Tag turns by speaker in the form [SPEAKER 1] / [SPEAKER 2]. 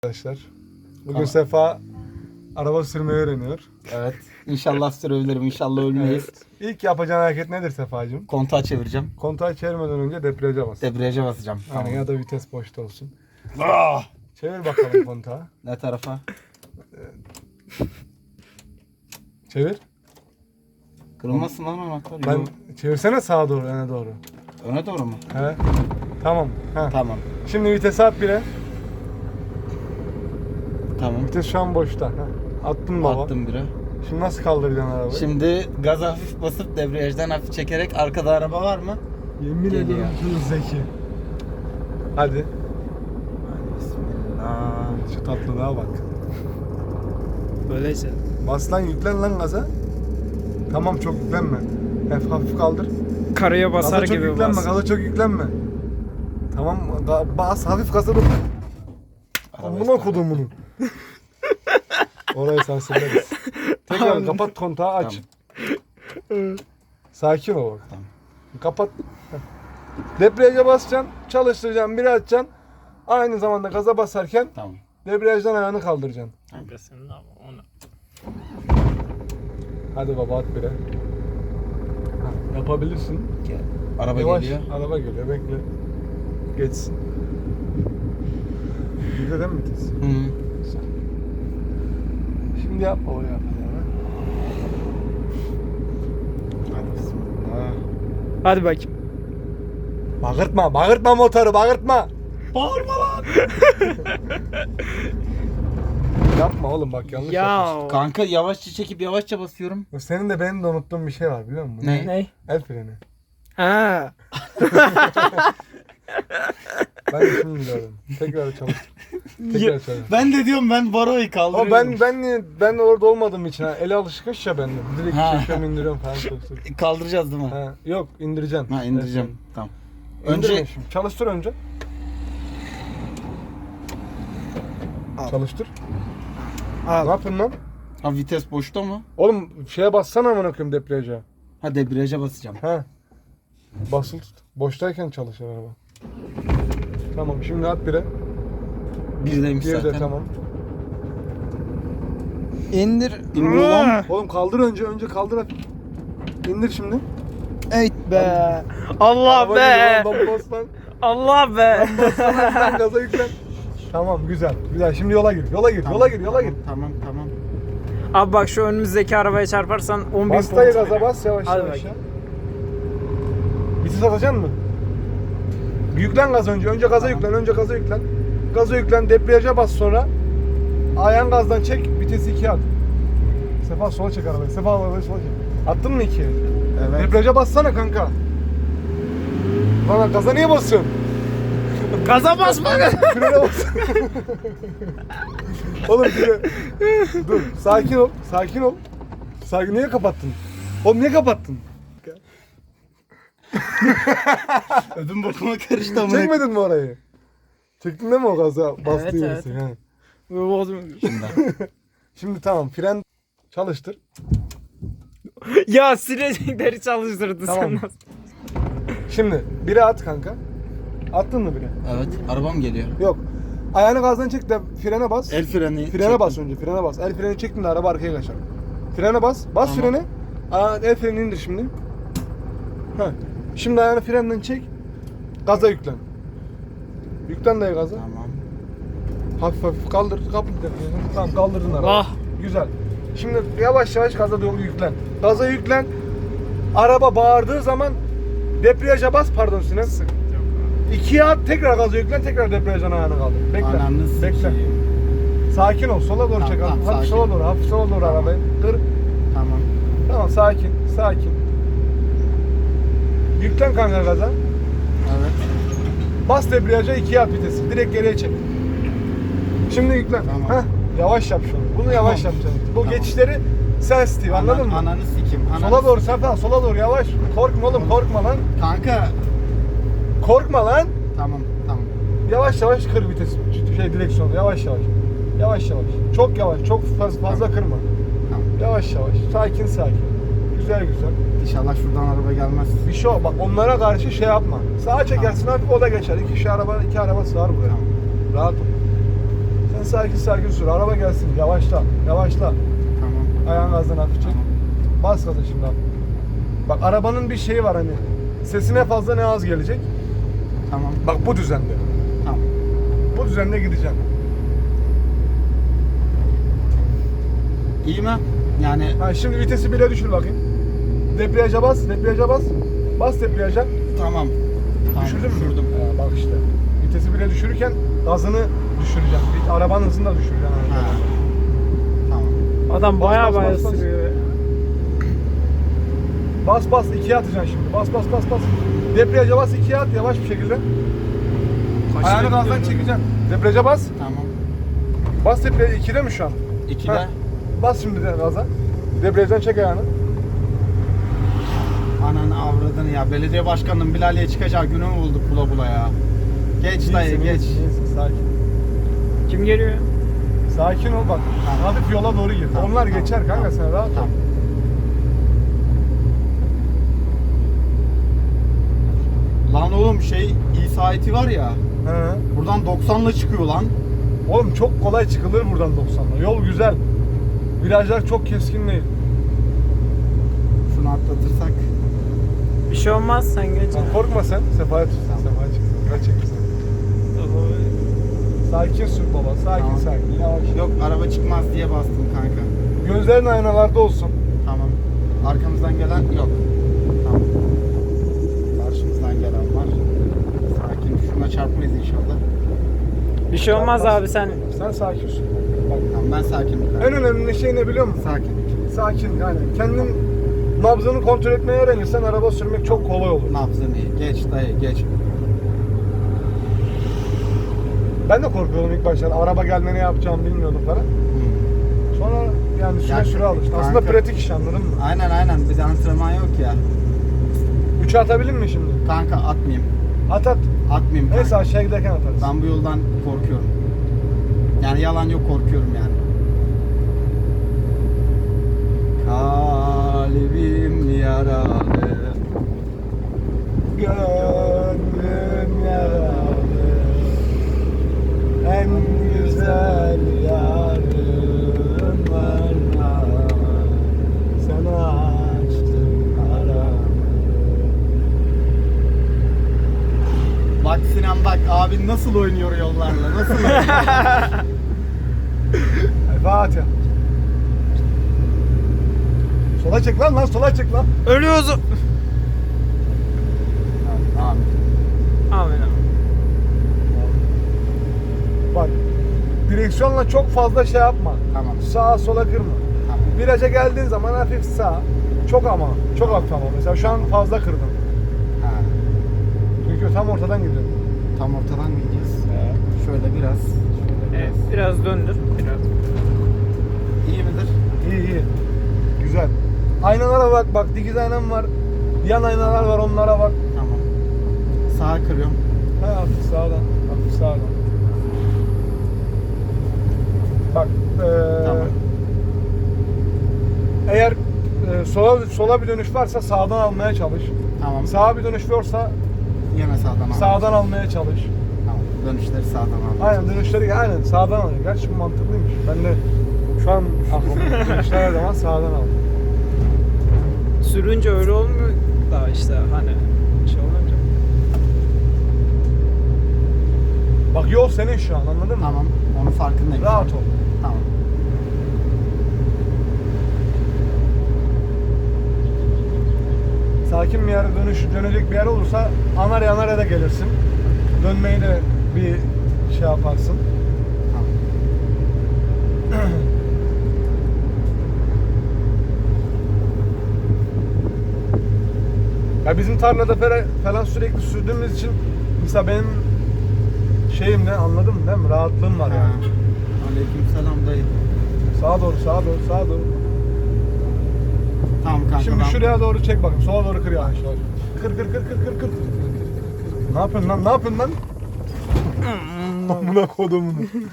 [SPEAKER 1] Arkadaşlar. Bugün
[SPEAKER 2] Tamam.
[SPEAKER 1] Sefa araba sürmeyi öğreniyor.
[SPEAKER 2] Evet. İnşallah sürebilirim. İnşallah ölmeyiz.
[SPEAKER 1] Evet. İlk yapacağın hareket nedir Sefacığım?
[SPEAKER 2] Kontağı çevireceğim.
[SPEAKER 1] Kontağı çevirmeden önce debriyaja bas.
[SPEAKER 2] Debriyaja basacağım.
[SPEAKER 1] Yani
[SPEAKER 2] Tamam.
[SPEAKER 1] ya da vites boşta olsun.
[SPEAKER 2] Ah!
[SPEAKER 1] Çevir bakalım kontağı.
[SPEAKER 2] Ne tarafa?
[SPEAKER 1] Çevir.
[SPEAKER 2] Kırılmasın lan anahtar.
[SPEAKER 1] Ben
[SPEAKER 2] Yok.
[SPEAKER 1] çevirsene sağa doğru, öne doğru.
[SPEAKER 2] Öne doğru mu?
[SPEAKER 1] He. Tamam. Ha.
[SPEAKER 2] Tamam.
[SPEAKER 1] Şimdi vitesi at bire.
[SPEAKER 2] Tamam.
[SPEAKER 1] Vites şu an boşta. Ha. Attın baba.
[SPEAKER 2] Attım bire.
[SPEAKER 1] Şimdi nasıl kaldıracaksın arabayı?
[SPEAKER 2] Şimdi gaz hafif basıp debriyajdan hafif çekerek arkada araba var mı?
[SPEAKER 1] Yemin
[SPEAKER 2] Geliyor.
[SPEAKER 1] ediyorum çocuk zeki. Hadi.
[SPEAKER 2] Bismillah.
[SPEAKER 1] Şu tatlılığa bak.
[SPEAKER 3] Böyleyse.
[SPEAKER 1] Bas lan, yüklen lan gaza. Tamam, çok yüklenme. Hafif hafif kaldır.
[SPEAKER 3] Karaya basar
[SPEAKER 1] Gaza çok
[SPEAKER 3] gibi
[SPEAKER 1] yüklenme,
[SPEAKER 3] bas.
[SPEAKER 1] gaza çok yüklenme. Tamam, bas hafif gaza dur. Amına
[SPEAKER 2] işte.
[SPEAKER 1] kodum bunu. Orayı sansürleriz. Tekrar kapat kontağı, aç. Sakin ol bak.
[SPEAKER 2] Tamam.
[SPEAKER 1] Kapat. Heh. Debriyaja basacaksın, çalıştıracaksın, biri açacaksın. Aynı zamanda gaza basarken
[SPEAKER 2] Tamam.
[SPEAKER 1] debriyajdan ayağını kaldıracaksın.
[SPEAKER 3] Kanka senin ama onu.
[SPEAKER 1] Hadi baba, at bire. Yapabilirsin.
[SPEAKER 2] Araba
[SPEAKER 1] Yavaş,
[SPEAKER 2] geliyor.
[SPEAKER 1] araba geliyor, bekle. Geçsin. Güzel değil mi vites?
[SPEAKER 2] Hı.
[SPEAKER 1] Şimdi yap baba, yapacağını.
[SPEAKER 2] Hadi bismillah.
[SPEAKER 3] Hadi bakayım.
[SPEAKER 1] Bağırtma, bağırtma motoru, bağırtma.
[SPEAKER 2] Bağırma lan.
[SPEAKER 1] Yapma oğlum, bak yanlış yapıyorsun.
[SPEAKER 3] Ya.
[SPEAKER 2] Kanka yavaşça çekip yavaşça basıyorum.
[SPEAKER 1] Senin de benim de unuttuğum bir şey var, biliyor musun?
[SPEAKER 2] Ne?
[SPEAKER 3] Ne?
[SPEAKER 1] El freni.
[SPEAKER 3] Ha.
[SPEAKER 1] Ben de şimdi biliyorum. Tekrar çalıştır. Tekrar çalıştır.
[SPEAKER 2] Ben de diyorum ben baroyu
[SPEAKER 1] Ama
[SPEAKER 2] kaldırıyorum.
[SPEAKER 1] ben de orada olmadığım için ha, ele alışkış ya bende. Direkt
[SPEAKER 2] Ha.
[SPEAKER 1] çekiyorum, indiriyorum falan çalıştır.
[SPEAKER 2] Kaldıracağız değil mi?
[SPEAKER 1] Ha, yok, indireceksin.
[SPEAKER 2] Ha indireceğim. Tamam.
[SPEAKER 1] Önce
[SPEAKER 2] Önce
[SPEAKER 1] çalıştır önce.
[SPEAKER 3] Al.
[SPEAKER 1] Çalıştır. Ne
[SPEAKER 3] Al.
[SPEAKER 1] yapıyorsun lan?
[SPEAKER 2] ha vites boşta mı?
[SPEAKER 1] Oğlum şeye bassana, amına koyayım, debriyaja.
[SPEAKER 2] Ha debriyaja basacağım.
[SPEAKER 1] Ha. Basılı tut. Boştayken çalışır araba. Tamam, şimdi at bire.
[SPEAKER 2] Birdeymiş
[SPEAKER 1] Bir
[SPEAKER 2] zaten.
[SPEAKER 1] de tamam.
[SPEAKER 2] İndir. İndir lan.
[SPEAKER 1] Oğlum kaldır önce kaldır at. İndir şimdi.
[SPEAKER 3] Evet be. Allah
[SPEAKER 1] Araba
[SPEAKER 3] be.
[SPEAKER 1] gidiyor lan, bas lan.
[SPEAKER 3] Allah be.
[SPEAKER 1] Lan gaza yüklen. Tamam, güzel. Güzel. Şimdi yola gir. Yola gir.
[SPEAKER 2] Tamam,
[SPEAKER 1] Yola gir. Yola gir.
[SPEAKER 2] Tamam tamam.
[SPEAKER 3] Abi bak şu önümüzdeki arabaya çarparsan 10.000
[SPEAKER 1] Bas dayı
[SPEAKER 3] puan.
[SPEAKER 1] gaza, bas yavaş
[SPEAKER 3] Hadi
[SPEAKER 1] yavaş
[SPEAKER 3] bakayım.
[SPEAKER 1] ya. Vites atacaksın mı? Bir yüklen gaz önce. Önce gaza
[SPEAKER 2] Tamam.
[SPEAKER 1] yüklen. Önce gaza yüklen. Gaza yüklen. Debriyaja bas sonra. Ayağın gazdan çek. Vitesi 2'ye at. Sefa sola çek arabayı. Sefa arabayı sola çek. Attın mı 2'ye?
[SPEAKER 2] Evet.
[SPEAKER 1] Debriyaja bassana kanka. Lan gaza niye basıyorsun?
[SPEAKER 3] Gaza basma.
[SPEAKER 1] Frene bas. Oğlum dur. Sakin ol. Sakin ol. Sakin. Niye kapattın? Oğlum niye kapattın?
[SPEAKER 2] Ödüm bokuma karıştı ama.
[SPEAKER 1] Çekmedin mi orayı? Çektin değil mi o gaza bastığın
[SPEAKER 3] Evet,
[SPEAKER 1] yerisi?
[SPEAKER 3] evet.
[SPEAKER 1] He.
[SPEAKER 2] Şimdi.
[SPEAKER 1] Şimdi tamam, fren çalıştır.
[SPEAKER 3] Ya silecekleri çalıştırdı
[SPEAKER 1] Tamam.
[SPEAKER 3] sen nasıl?
[SPEAKER 1] Şimdi bire at kanka. Attın mı bire?
[SPEAKER 2] Evet. Arabam geliyor.
[SPEAKER 1] Yok. Ayağını gazdan çek de frene bas.
[SPEAKER 2] El freni.
[SPEAKER 1] Frene bas önce, frene bas. El freni çektin de araba arkaya kaçar. Frene bas. Bas
[SPEAKER 2] Tamam.
[SPEAKER 1] freni. El freni indir şimdi. Heh. Şimdi ayağını frenden çek. Gaza yüklen. Yüklen dayı gaza.
[SPEAKER 2] Tamam.
[SPEAKER 1] Hafif hafif kaldır. Kapı. Tamam, kaldırdın arabayı.
[SPEAKER 3] Ah.
[SPEAKER 1] Güzel. Şimdi yavaş yavaş gaza doğru yüklen. Gaza yüklen. Araba bağırdığı zaman debriyaja bas, pardon Sinem. İkiye at, tekrar gaza yüklen, tekrar debriyajdan ayağını kaldır. Bekle.
[SPEAKER 2] Ananı
[SPEAKER 1] Bekle.
[SPEAKER 2] sikeyim.
[SPEAKER 1] Sakin ol, sola doğru
[SPEAKER 2] Tamam,
[SPEAKER 1] çek.
[SPEAKER 2] tamam,
[SPEAKER 1] Hafif
[SPEAKER 2] sakin.
[SPEAKER 1] sola doğru, hafif sola doğru arabayı. Kır.
[SPEAKER 2] Tamam.
[SPEAKER 1] Tamam, sakin, sakin. Yüklen kanka gaza.
[SPEAKER 2] Evet.
[SPEAKER 1] Bas debriyaja, ikiye at vitesi. Direkt geriye çek. Şimdi yüklen.
[SPEAKER 2] Tamam.
[SPEAKER 1] Heh, yavaş yap şunu. Bunu yavaş
[SPEAKER 2] Tamam.
[SPEAKER 1] yapacaksın. Bu
[SPEAKER 2] Tamam.
[SPEAKER 1] geçişleri sensitive, anladın mı?
[SPEAKER 2] Ananı sikeyim.
[SPEAKER 1] Sola doğru Sefa, sola doğru yavaş. Korkma oğlum, korkma lan.
[SPEAKER 2] Kanka.
[SPEAKER 1] Korkma lan.
[SPEAKER 2] Tamam tamam.
[SPEAKER 1] Yavaş yavaş kır vitesi. Direksiyonu yavaş yavaş. Yavaş yavaş. Çok yavaş, çok fazla kırma.
[SPEAKER 2] Tamam.
[SPEAKER 1] Yavaş yavaş. Sakin sakin. Güzel güzel.
[SPEAKER 2] İnşallah şuradan araba gelmez.
[SPEAKER 1] Bir şey bak, onlara karşı şey yapma. Sağa çekersin hafif, o da geçer. İki araba sığar buraya.
[SPEAKER 2] Tamam.
[SPEAKER 1] Rahat ol. Sen sakin sür. Araba gelsin. Yavaşla. Yavaşla.
[SPEAKER 2] Tamam.
[SPEAKER 1] Ayağın gazdan hafif çek.
[SPEAKER 2] Tamam.
[SPEAKER 1] Bas gaza şimdi abi. Bak arabanın bir şeyi var hani. Sesi ne fazla ne az gelecek.
[SPEAKER 2] Tamam.
[SPEAKER 1] Bak bu düzende.
[SPEAKER 2] Tamam.
[SPEAKER 1] Bu düzende gideceğim.
[SPEAKER 2] İyi mi? Yani
[SPEAKER 1] Ha, şimdi vitesi bile düşür bakayım. Debriyaja bas. Debriyaja bas. Bas debriyaja.
[SPEAKER 2] tamam. Tamam.
[SPEAKER 1] Düşürdün mü?
[SPEAKER 2] Düşürdüm.
[SPEAKER 1] Bak işte. Vitesi bile düşürürken gazını düşüreceğim. Arabanın hızını da düşüreceğim.
[SPEAKER 2] Ha. Tamam.
[SPEAKER 3] Adam
[SPEAKER 1] Bas,
[SPEAKER 3] baya
[SPEAKER 1] bas,
[SPEAKER 3] baya
[SPEAKER 1] bas, bas.
[SPEAKER 3] sürüyor.
[SPEAKER 1] Bas ikiye atacaksın şimdi. Bas. Debriyaja bas ikiye at yavaş bir şekilde. Ayağını gazdan çekeceksin. Debriyaja bas.
[SPEAKER 2] Tamam.
[SPEAKER 1] Bas debriyaja 2'de mi şu an?
[SPEAKER 2] 2'de.
[SPEAKER 1] Ha. Bas şimdi de gaza. Debriyajdan çek ayağını.
[SPEAKER 2] Ananı avradını ya. Belediye başkanının Bilal'e çıkacağı günü mü bulduk bula ya. Geç dayı
[SPEAKER 1] İyisin,
[SPEAKER 2] geç.
[SPEAKER 1] iyisin, sakin.
[SPEAKER 3] Kim geliyor?
[SPEAKER 1] Sakin ol bak.
[SPEAKER 2] Tamam.
[SPEAKER 1] Hafif yola doğru gir.
[SPEAKER 2] Tamam,
[SPEAKER 1] Onlar
[SPEAKER 2] tamam,
[SPEAKER 1] geçer kanka
[SPEAKER 2] tamam.
[SPEAKER 1] sen rahat ol.
[SPEAKER 2] Tamam. Lan oğlum şey İsa iti var ya.
[SPEAKER 1] He.
[SPEAKER 2] Buradan 90'la çıkıyor lan.
[SPEAKER 1] Oğlum çok kolay çıkılır buradan 90'la. Yol güzel. Virajlar çok keskin değil.
[SPEAKER 2] Şunu atlatırsak.
[SPEAKER 3] Bir şey olmaz sen geç.
[SPEAKER 1] Sen korkma sen. Sefaya tut.
[SPEAKER 2] Tamam.
[SPEAKER 1] Sefaya çıksın. Biraz çekilsin. Sakin sür baba. Sakin
[SPEAKER 2] Tamam.
[SPEAKER 1] sakin. Yavaş.
[SPEAKER 2] Yok araba çıkmaz diye bastım kanka.
[SPEAKER 1] Gözlerin aynalarda olsun.
[SPEAKER 2] Tamam. Arkamızdan gelen yok. Tamam. Karşımızdan gelen var. Sakin. Şuna çarpmayız inşallah.
[SPEAKER 3] Bir şey olmaz abi sen.
[SPEAKER 1] Sen sakin sür. Bak.
[SPEAKER 2] Tamam ben sakinim kanka.
[SPEAKER 1] En önemli şey ne biliyor musun?
[SPEAKER 2] Sakin.
[SPEAKER 1] Sakin yani. Kendin nabzını kontrol etmeyi öğrenirsen araba sürmek çok kolay olur.
[SPEAKER 2] Nabzını iyi. Geç dayı geç.
[SPEAKER 1] Ben de korkuyordum ilk başta. Araba gelme ne yapacağımı bilmiyordum falan. Sonra yani süre
[SPEAKER 2] Ya,
[SPEAKER 1] süre alıştı.
[SPEAKER 2] kanka.
[SPEAKER 1] Aslında pratik iş anladın mı?
[SPEAKER 2] Aynen. Bize antrenman yok ya.
[SPEAKER 1] 3'e atabilir mi şimdi?
[SPEAKER 2] Kanka atmayayım.
[SPEAKER 1] At.
[SPEAKER 2] Atmayayım kanka.
[SPEAKER 1] Neyse aşağı giderken atarız.
[SPEAKER 2] Ben bu yoldan korkuyorum. Yani yalan yok korkuyorum yani. Kalbim yaralı.
[SPEAKER 1] Gönlüm yaralı. En güzel yarım var. Sana açtım aramı.
[SPEAKER 2] Bak Sinan bak abin nasıl oynuyor yollarla nasıl oynuyor?
[SPEAKER 1] Fatih. Sola çek lan sola çek lan.
[SPEAKER 3] Ölüyoruz.
[SPEAKER 2] Tamam.
[SPEAKER 3] Amin abi.
[SPEAKER 1] Bak direksiyonla çok fazla şey yapma.
[SPEAKER 2] Tamam.
[SPEAKER 1] Sağa sola kırma.
[SPEAKER 2] Tamam.
[SPEAKER 1] Viraja geldiğin zaman hafif sağ. Çok hafif ama. Mesela şu an fazla kırdın.
[SPEAKER 2] Ha.
[SPEAKER 1] Çünkü tam ortadan gidiyor.
[SPEAKER 2] Tam ortadan mı gideceğiz? Şöyle biraz.
[SPEAKER 3] Evet, biraz döndür. Biraz.
[SPEAKER 2] İyi midir?
[SPEAKER 1] İyi. Güzel. Aynalara bak dikiz aynam var. Yan aynalar var onlara bak.
[SPEAKER 2] Tamam. Sağa kırıyorum.
[SPEAKER 1] Ha, hafif sağdan. Bak.
[SPEAKER 2] Tamam.
[SPEAKER 1] Eğer sola bir dönüş varsa sağdan almaya çalış.
[SPEAKER 2] Tamam.
[SPEAKER 1] Sağa bir dönüş varsa
[SPEAKER 2] Yine sağdan al.
[SPEAKER 1] sağdan almaya çalış.
[SPEAKER 2] Tamam. Dönüşleri sağdan al.
[SPEAKER 1] Aynen dönüşleri aynen sağdan al. Gerçi bu mantıklıymış. Ben de şu an aklımda dönüşler her zaman sağdan al.
[SPEAKER 3] Sürünce öyle olmuyor da işte hani şey olunca.
[SPEAKER 1] Bak yol senin şu an anladın mı?
[SPEAKER 2] Tamam. Onun farkındayım.
[SPEAKER 1] Rahat ol.
[SPEAKER 2] Tamam.
[SPEAKER 1] Sakin bir yere dönecek bir yer olursa Anarya da gelirsin. Dönmeyi de bir şey yaparsın.
[SPEAKER 2] Tamam.
[SPEAKER 1] Ya bizim tarlada falan sürekli sürdüğümüz için mesela benim şeyim ne anladın mı değil mi? Rahatlığım var yani.
[SPEAKER 2] Aleykümselam dayı.
[SPEAKER 1] Sağa doğru.
[SPEAKER 2] Tamam kanka.
[SPEAKER 1] Şimdi
[SPEAKER 2] ben-
[SPEAKER 1] şuraya doğru çek bakayım. Sola doğru kır yavaş yavaş. Kır. Ne yapıyorsun lan? Amına kodumun.